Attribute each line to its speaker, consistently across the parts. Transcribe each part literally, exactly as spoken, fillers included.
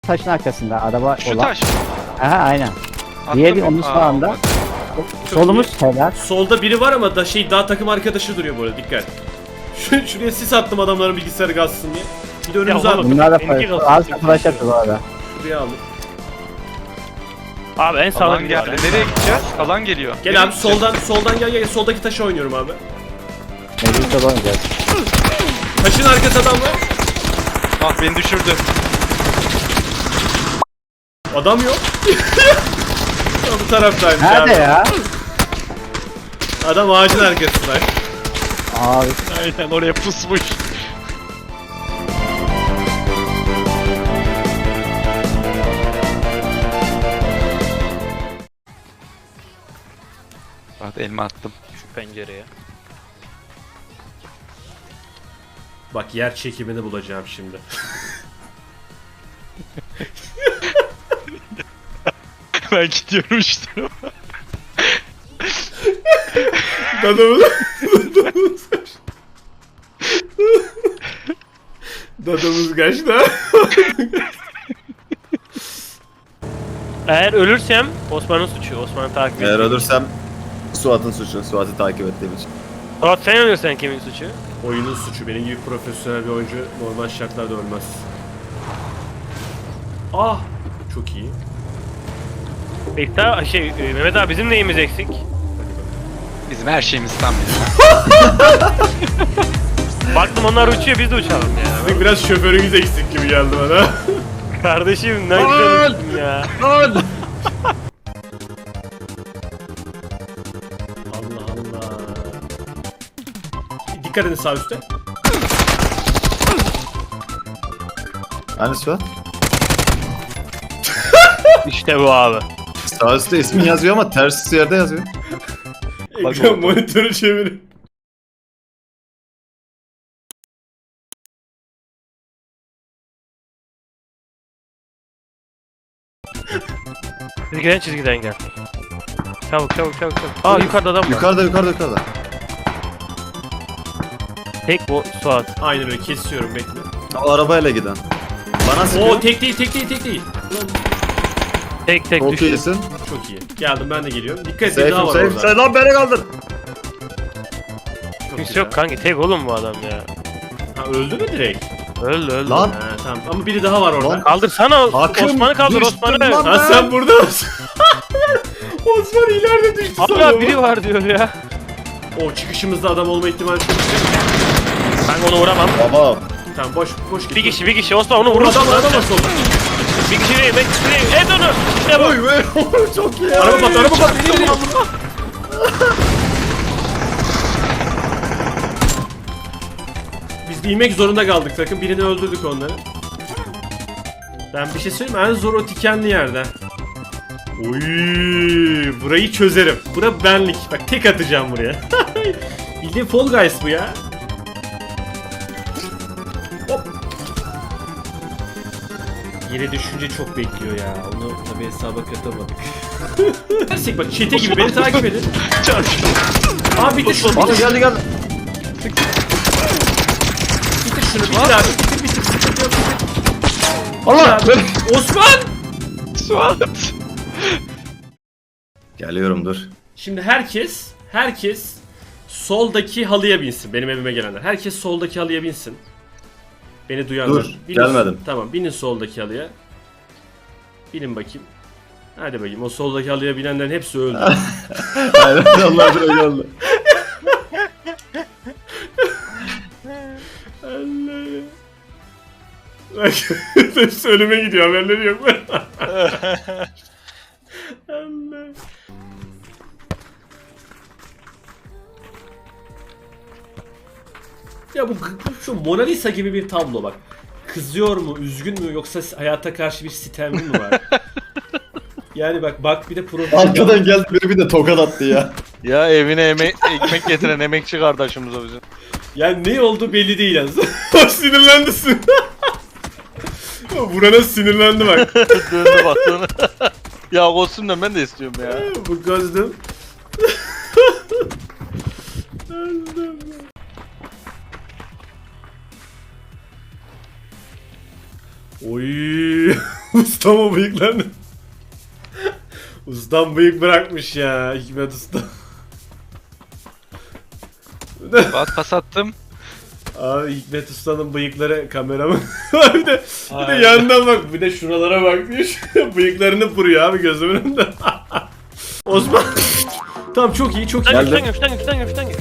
Speaker 1: taşın arkasında araba
Speaker 2: Şu
Speaker 1: olan.
Speaker 2: taş.
Speaker 1: Aha aynen.
Speaker 2: Attım.
Speaker 1: Diğeri onun
Speaker 2: Aa,
Speaker 1: sağında.
Speaker 2: olmadı.
Speaker 1: Solumuz helal.
Speaker 3: Solda biri var ama da şey daha takım arkadaşı duruyor böyle, dikkat. Şu, şuraya sis attım adamların bilgisayarı gazsın diye. Bir de önümüze
Speaker 4: Ya oğlum,
Speaker 3: attım.
Speaker 1: Bunlar da
Speaker 4: Benimki
Speaker 1: flash.
Speaker 4: kalsın.
Speaker 1: Az flash yapıyor bu arada.
Speaker 3: Şuraya aldım.
Speaker 4: Abi en sağda
Speaker 2: Alan
Speaker 4: biri
Speaker 2: geldi.
Speaker 4: var.
Speaker 2: Nereye gideceğiz? Alan geliyor.
Speaker 3: Gel
Speaker 2: Nereye
Speaker 3: abi
Speaker 2: gideceğiz?
Speaker 3: soldan soldan gel gel soldaki taşı oynuyorum abi.
Speaker 1: Meclis'te oynayacağız.
Speaker 3: Taşın arkası adam var.
Speaker 2: Ah beni düşürdü.
Speaker 3: Adam yok. Ya bu taraftaymış
Speaker 1: Nerede
Speaker 3: abi.
Speaker 1: ya?
Speaker 3: Adam ağacın arkasında.
Speaker 1: Abi.
Speaker 4: Aynen oraya pusmuş.
Speaker 2: Bak elma attım.
Speaker 4: Şu pencereye.
Speaker 3: Bak yer çekimini bulacağım şimdi.
Speaker 4: Ben gidiyorum işte.
Speaker 3: Dadamız... Dadamız kaçtı. Dadamız kaçtı.
Speaker 4: Eğer ölürsem Osman'ın suçu. Osman'ı takip
Speaker 5: Eğer
Speaker 4: ediyor.
Speaker 5: ölürsem Suat'ın suçu. Suat'ı takip ettiğim için.
Speaker 4: Suat sen ölürsen kimin suçu?
Speaker 3: Oyunun suçu. Benim gibi profesyonel bir oyuncu normal şartlarda ölmez. Ah! Çok iyi.
Speaker 4: Bekta şey e, Mehmet abi bizim neyimiz eksik?
Speaker 2: Bizim her şeyimiz tam ya.
Speaker 4: Baktım onlar uçuyor biz de uçalım ya.
Speaker 3: Sizin biraz şoförünüz eksik gibi geldi bana.
Speaker 4: Kardeşim ne güzel uçtun ya.
Speaker 3: Allah Allah. Dikkat edin sağ üstte.
Speaker 5: Hani Suat?
Speaker 4: İşte bu abi.
Speaker 5: Sağ üstte ismin yazıyor ama ters yerde yazıyor.
Speaker 3: Ekran monitörü çevirin.
Speaker 4: Çizgiden çizgiden gel. Çabuk çabuk çabuk çabuk. Aa yukarıda adam var.
Speaker 5: Yukarıda yukarıda yukarıda.
Speaker 4: Tek bu Suat.
Speaker 3: Aynen öyle, kesiyorum, bekle.
Speaker 5: O arabayla giden. Bana sıkıyor.
Speaker 3: Oo tek değil tek değil tek değil.
Speaker 4: Tek tek
Speaker 5: Çok
Speaker 4: düştü.
Speaker 5: iyisin.
Speaker 3: Çok iyi. Geldim ben de geliyorum. Dikkat et, bir daha
Speaker 5: Safe'im
Speaker 3: var
Speaker 5: safe.
Speaker 3: orada.
Speaker 5: Sen lan beni kaldır.
Speaker 3: Çok
Speaker 4: Kimse
Speaker 3: güzel.
Speaker 4: yok kanki tek oğlum bu adam ya.
Speaker 3: Ha, öldü mü direkt?
Speaker 4: Öldü öldü.
Speaker 5: Lan.
Speaker 3: Ha, tamam ama biri daha var orada.
Speaker 5: Lan.
Speaker 4: Kaldırsana
Speaker 5: Hakkım
Speaker 4: Osman'ı kaldır
Speaker 5: düştü
Speaker 4: Osman'ı.
Speaker 5: lan.
Speaker 3: Ha sen burada mısın? Osman ileride düştü
Speaker 4: Abla
Speaker 3: sanırım.
Speaker 4: biri var diyor ya.
Speaker 3: O çıkışımızda adam olma ihtimali çok yüksek.
Speaker 4: Ben onu vuramam.
Speaker 5: Baba.
Speaker 3: Tamam boş boş git.
Speaker 4: Bir kişi bir kişi Osman onu
Speaker 3: Vur
Speaker 4: vurursun.
Speaker 3: adam adam var solda.
Speaker 4: Bir kişi değil ben kişi değil. Et onu. İşte bu.
Speaker 5: Oy be. Çok iyi.
Speaker 3: Araba pat araba pat. İleri, ileri. Biz bir inmek zorunda kaldık takım. Birini öldürdük onları. Ben bir şey söyleyeyim mi? En zor o dikenli yerde. Oy, burayı çözerim. Bura benlik. Bak tek atacağım buraya. Bildiğin Fall Guys bu ya. Hop. Yere düşünce çok bekliyor ya. Onu tabii hesaba katamadık. Dersek bak çete gibi beni takip edin. Abi bitir şunu.
Speaker 5: Bana
Speaker 3: Bitir,
Speaker 5: geldi geldi.
Speaker 3: bitir şunu. Bitir abi. Bitir bitir. Bitir, bitir.
Speaker 5: Allah.
Speaker 3: Abi. Osman!
Speaker 2: Suat.
Speaker 5: Geliyorum dur.
Speaker 3: Şimdi herkes, herkes soldaki halıya binsin. Benim evime gelenler. Herkes soldaki halıya binsin. Beni duyanlar.
Speaker 5: Dur,
Speaker 3: Binin-
Speaker 5: gelmedim.
Speaker 3: Tamam, binin soldaki halıya. Binin bakayım. Hadi bakayım. O soldaki halıya binenlerin hepsi öldü.
Speaker 5: Aynen Allah dur öyle oldu.
Speaker 3: Allah. Bak, hepsi ölüme gidiyor. Haberleri yok. Allah. Ya bu şu Mona Lisa gibi bir tablo bak. Kızıyor mu, üzgün mü yoksa hayata karşı bir sitem mi var? Yani bak bak bir de profil.
Speaker 5: Arkadan geldi biri bir de tokat attı ya.
Speaker 6: Ya evine emek, ekmek getiren emekçi kardeşimiz o bizim.
Speaker 3: Yani ne oldu belli değil yalnız. Sinirlendi. Vurana sinirlendi bak.
Speaker 6: Döndü baktığını. Ya kostümden ben de istiyorum ya.
Speaker 3: Bu gözlüm. Oy. Ustam o bıyıklarını. Ustam bıyık bırakmış ya Hikmet Usta.
Speaker 2: Fuat pas attım.
Speaker 3: Abi Hikmet Usta'nın bıyıkları kameramın. bir de, bir de yandan bak, bir de şuralara bak diyor. Bıyıklarını vuruyor abi gözümün önünde. Osman. Tamam çok iyi çok iyi.
Speaker 4: Şuradan gel, şuradan gel, şuradan gel, şuradan gel.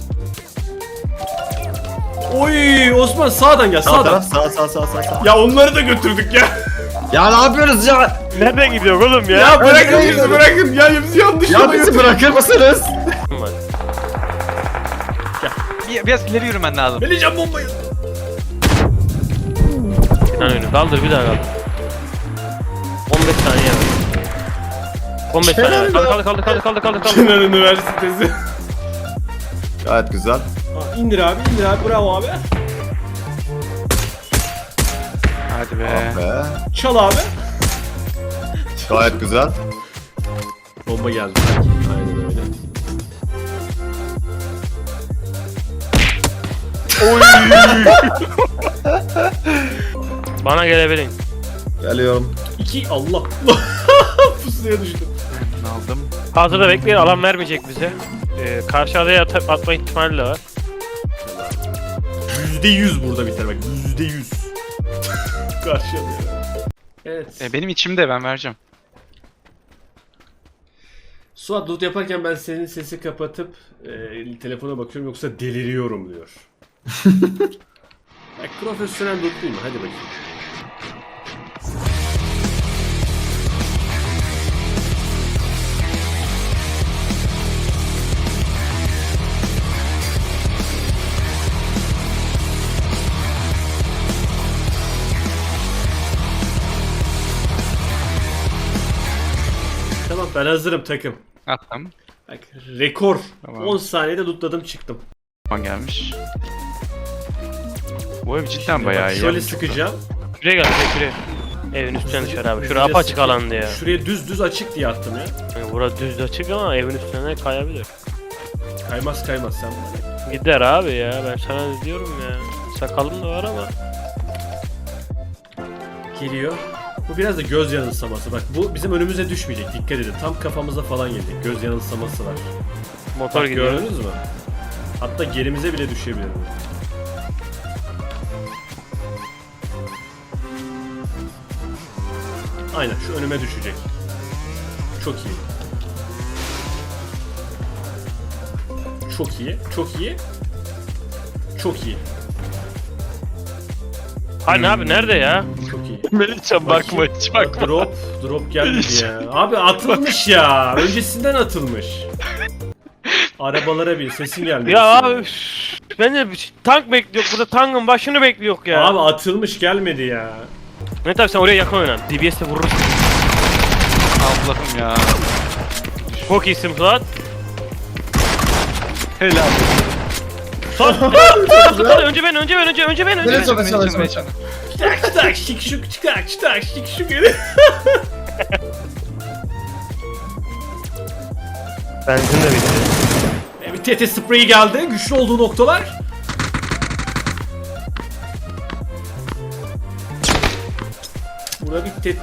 Speaker 3: Oy Osman sağdan gel
Speaker 5: Sağ
Speaker 3: sağdan.
Speaker 5: taraf sağ sağ sağ sağ sağ.
Speaker 3: Ya onları da götürdük ya.
Speaker 5: Ya ne yapıyoruz ya?
Speaker 4: Nereden gidiyor oğlum ya?
Speaker 3: Ya bırakın
Speaker 5: nereye
Speaker 3: bizi
Speaker 5: gidiyorsun?
Speaker 3: bırakın. Ya bizi yanlış
Speaker 5: Ya
Speaker 3: yola
Speaker 5: bizi
Speaker 3: götürün.
Speaker 5: bırakır mısınız?
Speaker 2: Bir, biraz ileri yürümen lazım.
Speaker 3: Vereceğim bombayı.
Speaker 4: Bir tane önü kaldır, bir daha kaldır. on beş saniye var. on beş saniye var. Kaldır, kaldır, kaldır, kaldır, kaldır, kaldır.
Speaker 3: Kenan Üniversitesi.
Speaker 5: Gayet güzel.
Speaker 3: Aa, indir abi indir abi bravo abi.
Speaker 2: Hadi be.
Speaker 5: Be.
Speaker 3: Çal abi.
Speaker 5: Gayet güzel.
Speaker 3: Bomba geldi. Aynen öyle.
Speaker 4: Bana gelebilin.
Speaker 5: Geliyorum.
Speaker 3: İki Allah. Pusuya düştüm.
Speaker 2: Aldım.
Speaker 4: Hazırda bekleyin, alan vermeyecek bize. Ee, karşı adaya at atma ihtimali de var.
Speaker 3: Yüzde yüz burada biter bak. Yüzde yüz. Karşıya. Evet.
Speaker 2: E, benim içimde, ben vereceğim.
Speaker 3: Suat loot yaparken ben senin sesi kapatıp e, telefona bakıyorum yoksa deliriyorum diyor. Bak profesyonel lootluyum hadi bakayım. Tamam ben hazırım takım.
Speaker 2: Attım.
Speaker 3: Bak rekor.
Speaker 2: Tamam.
Speaker 3: on saniyede lootladım çıktım.
Speaker 2: Tamam gelmiş. Bu ev cidden
Speaker 3: Bak,
Speaker 2: bayağı iyi.
Speaker 3: şöyle
Speaker 2: yapmış.
Speaker 3: sıkacağım.
Speaker 4: Şuraya gel, şuraya, şuraya. Evin üstüne dışarı abi. Şura
Speaker 3: Hızlıca
Speaker 4: apaçık
Speaker 3: sıkayım.
Speaker 4: alandı ya.
Speaker 3: Şuraya düz düz açık diye attım ya.
Speaker 4: Yani bura düz açık ama evin üstüne kayabilir.
Speaker 3: Kaymaz kaymaz sen bana.
Speaker 4: Gider abi ya, ben sana diyorum ya. Sakalım da var ama.
Speaker 3: Geliyor. Bu biraz da göz yanılsaması. Bak bu bizim önümüze düşmeyecek. Dikkat edin. Tam kafamıza falan gelecek. Göz yanılsaması var.
Speaker 4: Motor
Speaker 3: Bak,
Speaker 4: gidiyor.
Speaker 3: gördünüz mü? Hatta gerimize bile düşebilir bu. Aynen şu önüme düşecek. Çok iyi. Çok iyi. Çok iyi. Çok iyi.
Speaker 4: Hani abi nerede ya?
Speaker 3: Çok iyi.
Speaker 2: Melihcan bakma hiç bakma.
Speaker 3: Drop, drop gelmedi ya. Abi atılmış ya. Öncesinden atılmış. Arabalara bir sesin geldi.
Speaker 4: Ya abi üf, ben de bir tank bekliyor burada, tankın başını bekliyor ya.
Speaker 3: Abi atılmış gelmedi ya.
Speaker 4: Ne tabi sen oraya yakın oynan. D B S'le vurursun.
Speaker 2: Allah'ım ya.
Speaker 4: Çok iyisin Fuat.
Speaker 2: Helal.
Speaker 4: Fuat. Fuat, Fuat, önce ben, önce ben, önce önce ben, önce ben.
Speaker 5: Melihcan, Melihcan,
Speaker 2: Melihcan,
Speaker 5: Melihcan.
Speaker 3: Çıtak çıtak şık şık çıtak çıtak şık şık geri.
Speaker 4: Benzin de bitti.
Speaker 3: E, bir T T spreyi geldi. Güçlü olduğu noktalar. Burada bir T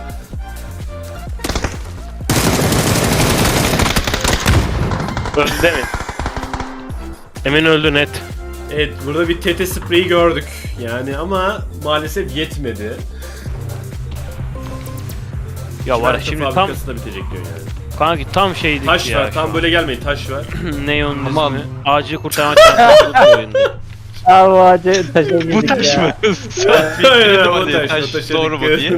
Speaker 4: Öldü değil mi? Emin öldü net.
Speaker 3: Evet burada bir T T spreyi gördük. Yani ama maalesef yetmedi.
Speaker 4: Ya var ya,
Speaker 3: Şarkı
Speaker 4: şimdi tam
Speaker 3: fabrikası da bitecek diyor yani.
Speaker 4: kanki tam şeydik
Speaker 3: Taş
Speaker 4: ya.
Speaker 3: var. Tam böyle gelmeyin. Taş var.
Speaker 4: Neon
Speaker 2: Aman.
Speaker 4: ismi. Ağacı kurtaran çantası oyundu.
Speaker 1: Abi o ağacı taşa girdik
Speaker 2: Bu taş
Speaker 1: ya.
Speaker 2: mı?
Speaker 3: Aynen,
Speaker 2: Dedim
Speaker 3: bu
Speaker 2: hadi,
Speaker 3: taş,
Speaker 2: taş
Speaker 3: bu taşa
Speaker 2: doğru mu
Speaker 3: dikkat.
Speaker 2: diye.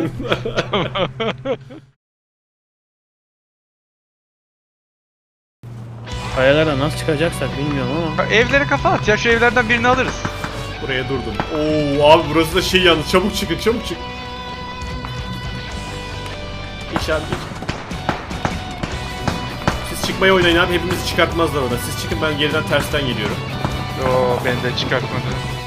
Speaker 4: Kayalara nasıl çıkacaksak bilmiyorum ama.
Speaker 2: Evlere kafa at ya, şu evlerden birini alırız.
Speaker 3: Buraya durdum. Oo abi burası da şey yalnız. Çabuk çıkın çabuk çık. Geç abi geç. Siz çıkmaya oynayın abi. Hepimizi çıkartmazlar orada. Siz çıkın ben geriden tersten geliyorum.
Speaker 2: Yo, beni de çıkartmadı.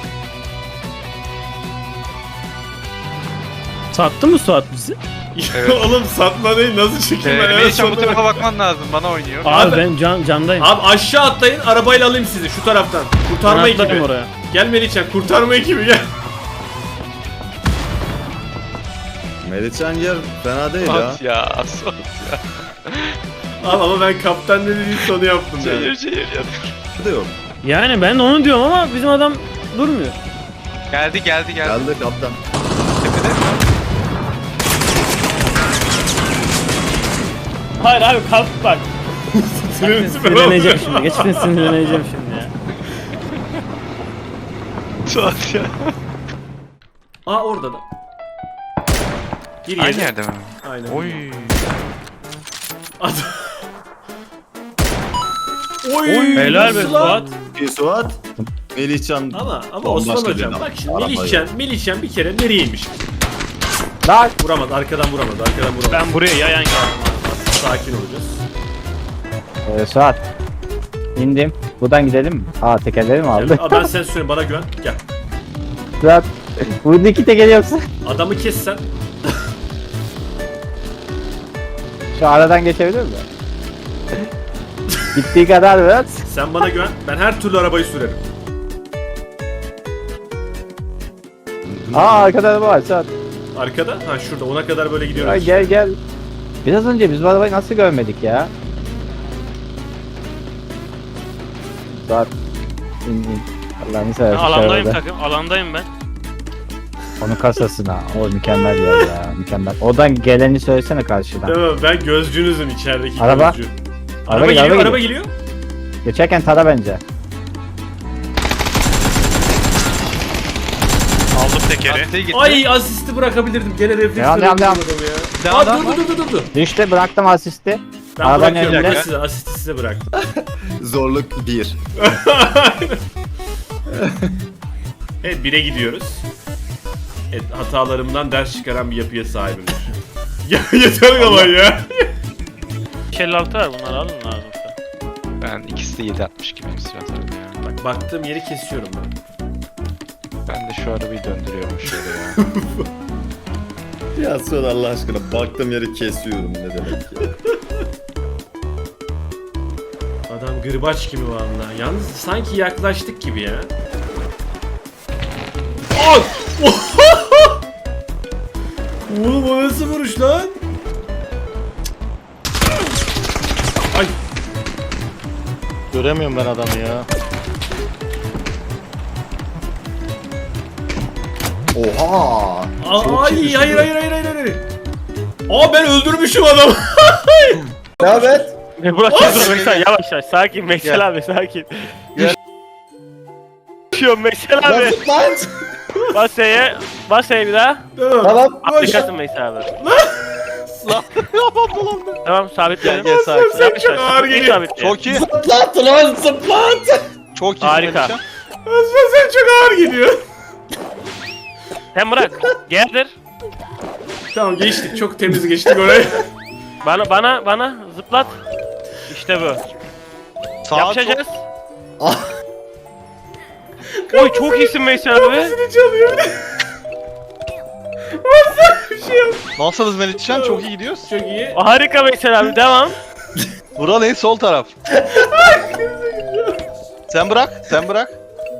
Speaker 7: Sattı mı Suat bizi?
Speaker 2: Evet.
Speaker 3: Oğlum satma değil. Nasıl çıkayım
Speaker 2: Ee,
Speaker 3: ben?
Speaker 2: Melihcan bu
Speaker 3: sonuna
Speaker 2: tarafa
Speaker 3: bak-
Speaker 2: bakman lazım, bana oynuyor.
Speaker 7: Abi,
Speaker 3: Abi-
Speaker 7: ben can, candayım.
Speaker 3: Abi aşağı atlayın. Arabayla alayım sizi şu taraftan. Kurtarma
Speaker 7: Ben atlarım
Speaker 3: ekibi.
Speaker 7: oraya.
Speaker 3: Gel Melihcan kurtarma ekibi gel.
Speaker 5: Melihcan yer fena değil ya.
Speaker 6: Suat ya. Suat ya.
Speaker 3: Al ama ben kaptan ne dediğim sonu yaptım yani.
Speaker 6: Çevir çevir ya.
Speaker 5: Diyor.
Speaker 7: Yani ben de onu diyorum ama bizim adam durmuyor.
Speaker 2: Geldi geldi geldi.
Speaker 5: Geldi kaptan.
Speaker 2: Tepede.
Speaker 7: Hayır abi kalk bak.
Speaker 3: Sinirleneceğim.
Speaker 7: Sinirleneceğim şimdi. Geçtin sinirleneceğim şimdi ya.
Speaker 6: Suat ya.
Speaker 3: Aa orada da. Gir
Speaker 2: Aynı
Speaker 3: yerine.
Speaker 2: yerde mi?
Speaker 3: Aynen.
Speaker 2: Oy.
Speaker 3: Adam. Oy.
Speaker 7: Helal be
Speaker 3: nasıl lan?
Speaker 7: Suat.
Speaker 5: Bir Suat. Melihcan.
Speaker 3: Ama ama
Speaker 5: Bambaşka
Speaker 3: Osman
Speaker 5: bir
Speaker 3: hocam
Speaker 5: adam.
Speaker 3: bak şimdi
Speaker 5: Arabayı.
Speaker 3: Melihcan, Melihcan bir kere nereyeymiş?
Speaker 1: Lan.
Speaker 3: Vuramaz, arkadan vuramaz, arkadan vuramaz.
Speaker 4: Ben buraya yayan geldim.
Speaker 3: Sakin olacağız.
Speaker 1: Ee, Suat. İndim. Buradan gidelim mi? Aa tekerleri mi aldı?
Speaker 3: Aa, ben sen söyleyeyim, bana güven. Gel.
Speaker 1: Suat. Burada iki teker yoksa.
Speaker 3: Adamı kes sen.
Speaker 1: Şu aradan geçebilir mi? Gittiği kadar biraz.
Speaker 3: Sen bana güven. Ben her türlü arabayı sürerim.
Speaker 1: Aa arkada araba var Suat.
Speaker 3: Arkada? Ha şurada. Ona kadar böyle gidiyoruz.
Speaker 1: Ay, gel gel. Biraz önce biz bu arabayı nasıl görmedik ya? Suat. İn in. Allah'ını seversen. şu
Speaker 4: Alandayım
Speaker 1: arabada.
Speaker 4: takım. Alandayım ben.
Speaker 1: Onun kasasına. O mükemmel yer ya. Mükemmel. Oradan geleni söylesene karşıdan.
Speaker 3: Tamam, ben gözcünüzüm içerideki
Speaker 1: Araba.
Speaker 3: gözcü.
Speaker 1: Araba
Speaker 3: Araba,
Speaker 1: geliyor,
Speaker 3: geliyor,
Speaker 1: araba
Speaker 3: araba geliyor.
Speaker 1: Geçerken tara bence.
Speaker 2: Aldım tekeri. Gitti.
Speaker 3: Ay asisti bırakabilirdim. Gene refleks
Speaker 1: Devam, devam, devam.
Speaker 3: ya.
Speaker 2: Devam,
Speaker 3: Aa
Speaker 2: devam.
Speaker 3: dur dur dur dur dur.
Speaker 1: İşte bıraktım asisti.
Speaker 3: Ben
Speaker 1: Arabanın
Speaker 3: bırakıyorum.
Speaker 1: önünde.
Speaker 3: Ben size asisti size bıraktım.
Speaker 5: Zorluk bir.
Speaker 3: Evet bire gidiyoruz. Evet hatalarımdan ders çıkaran bir yapıya sahibimdir. Ya yeter ama ya.
Speaker 4: beş elli altı var, bunları alın lazımsa.
Speaker 2: Ben ikisi de yedi altmış gibiyim Suat abi ya.
Speaker 3: Bak baktığım yeri kesiyorum ben.
Speaker 2: Ben de şu arabayı döndürüyorum şöyle ya.
Speaker 5: Ya Suat Allah aşkına baktığım yeri kesiyorum ne demek ya.
Speaker 3: Adam gırbaç gibi vallahi. Yalnız sanki yaklaştık gibi ya. Ay! Oğlum o nasıl vuruş lan? Ay!
Speaker 6: Göremiyorum ben adamı ya.
Speaker 5: Oha.
Speaker 3: Aa,
Speaker 5: Çok
Speaker 3: ay
Speaker 5: iyi
Speaker 3: hayır
Speaker 5: düşündün.
Speaker 3: hayır hayır hayır hayır. Aa ben öldürmüşüm adamı.
Speaker 5: Ne haber?
Speaker 4: Burak dur Meksel, yavaş yavaş. Sakin Meksel abi, sakin. Düşüyorum Meksel abi.
Speaker 5: Lan.
Speaker 4: Bas S'ye. Bas S'ye bir daha.
Speaker 3: Tamam.
Speaker 5: Tamam.
Speaker 3: Koş.
Speaker 4: Atlayacaksın Meksel abi.
Speaker 6: Lan yapam dolandı.
Speaker 4: Tamam sabitledim.
Speaker 6: Gel, gel, sakin.
Speaker 4: Yavaş
Speaker 3: Çok
Speaker 4: yavaş.
Speaker 3: ağır
Speaker 4: İyi
Speaker 3: geliyor.
Speaker 4: sabitledim.
Speaker 6: Çok iyi.
Speaker 5: Zıplat lan zıplat.
Speaker 6: Çok iyi.
Speaker 4: Harika.
Speaker 6: Melihcan.
Speaker 3: Osman sen çok ağır gidiyor.
Speaker 4: Sen bırak. Geldir.
Speaker 3: Tamam geçtik çok temiz geçtik orayı.
Speaker 4: Bana bana bana zıplat. İşte bu.
Speaker 6: Sağa
Speaker 4: Yapacağız.
Speaker 5: Ah.
Speaker 4: Oy çok iyisin Meksel abi.
Speaker 3: Seni çalıyor. Osman bir şey yok.
Speaker 6: çok... Nasılsınız Melihcan? Çok iyi gidiyoruz.
Speaker 3: Çok iyi.
Speaker 4: Harika Meksel abi, devam.
Speaker 6: Vural en sol taraf. Sen bırak, sen bırak.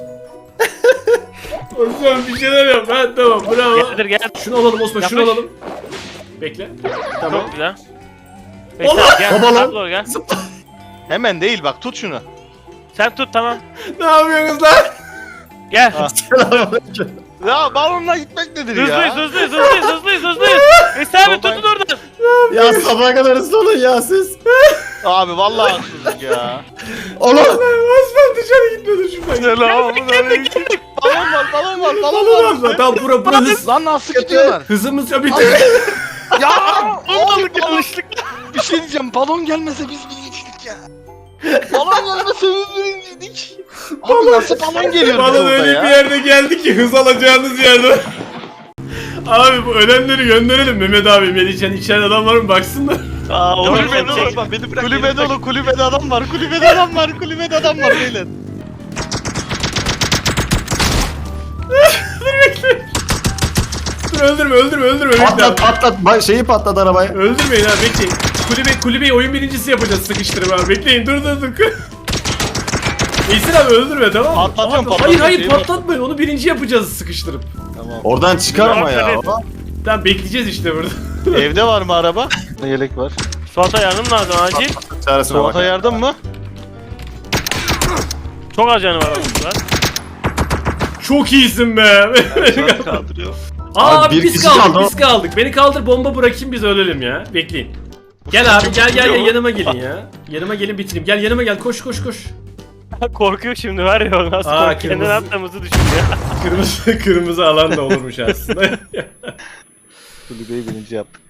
Speaker 3: Osman bir şeyler yap. Ha tamam bravo.
Speaker 4: Geldir gel.
Speaker 3: Şunu alalım Osman şunu
Speaker 4: Yapış.
Speaker 3: alalım. Bekle. Tamam.
Speaker 4: Çok güzel. Meksel abi gel.
Speaker 5: Baba lan.
Speaker 4: Abla doğru gel.
Speaker 6: Hemen değil bak, tut şunu.
Speaker 4: Sen tut, tamam.
Speaker 3: Ne yapıyorsunuz lan?
Speaker 4: Gel.
Speaker 6: Ha. Ya balonla gitmek nedir
Speaker 4: Hızlıyız,
Speaker 6: ya?
Speaker 4: hızlıyız, hızlıyız, hızlıyız, hızlıyız. Meksel abi
Speaker 6: Soldan-
Speaker 4: tutun oradan.
Speaker 5: Ya sabaha kadar hızlı olun ya siz.
Speaker 6: Abi vallahi haksızlık ya.
Speaker 5: Oğlum.
Speaker 3: Osman dışarı gitmedi şuradan.
Speaker 6: Selamun aleyküm. Balon var, balon var, balon
Speaker 3: Balon
Speaker 6: var.
Speaker 3: Osman tamam bura bura hız.
Speaker 6: Lan nasıl gidiyorlar?
Speaker 3: Hızımız ya bitti.
Speaker 6: Ya
Speaker 4: Olmadık yanlışlıkla.
Speaker 6: bir şey diyeceğim, balon gelmese biz birinciydik ya. Balon gelmese biz birinciydik. Abi nasıl balon geliyor
Speaker 3: Balon
Speaker 6: orada
Speaker 3: öyle
Speaker 6: ya?
Speaker 3: bir yerde geldi ki hız alacağınız yerde. Abi bu ölenleri gönderelim Mehmet abi. Melihcan içeride adam var mı baksınlar.
Speaker 6: Aa,
Speaker 4: Doğru,
Speaker 6: kulübede
Speaker 4: çek,
Speaker 6: olur
Speaker 4: çek.
Speaker 6: bak, beni bırak. Kulübede olur, kulübede adam var, kulübede adam var, kulübede adam var beyler.
Speaker 3: Dur öldürme öldürme öldürme. Bekle abi.
Speaker 5: Patlat patlat. Ba- Şeyi patlat arabayı.
Speaker 3: Öldürmeyin abi bekleyin. Kulübe, kulübeyi oyun birincisi yapacağız sıkıştırıp abi. Bekleyin dur dur dur. İyisin abi öldürme tamam mı?
Speaker 6: Patlatıyorum,
Speaker 3: Abi,
Speaker 6: patlatıyorum,
Speaker 3: Hayır hayır
Speaker 6: şeyi
Speaker 3: patlatmayın onu birinci yapacağız sıkıştırıp.
Speaker 6: Tamam.
Speaker 5: Oradan çıkar ama ya.
Speaker 4: Aferin.
Speaker 3: Tamam bekleyeceğiz işte burada.
Speaker 6: Evde var mı araba? Yelek var.
Speaker 4: Suat'a yardım lazım acil.
Speaker 5: Çaresine bak.
Speaker 6: Suat'a yardım mı?
Speaker 4: Çok az canı var onun var.
Speaker 3: Çok iyisin be.
Speaker 6: Suat kaldırıyor.
Speaker 3: Aa
Speaker 5: Abi bir
Speaker 3: biz
Speaker 5: kişi
Speaker 3: kaldık
Speaker 5: kaldı.
Speaker 3: biz kaldık. Beni kaldır bomba bırakayım biz ölelim ya. Bekleyin. Gel abi gel gel gel yanıma gelin ya. Yanıma gelin bitireyim. Gel yanıma gel koş koş koş.
Speaker 4: Korkuyor şimdi var ya o nasıl
Speaker 3: Aa,
Speaker 4: korkuyor. Kendini
Speaker 3: kırmızı-
Speaker 4: attığımızı düşünüyor.
Speaker 3: Kırmızı kırmızı alan da olurmuş aslında.
Speaker 6: Kulübeyi birinci yaptık.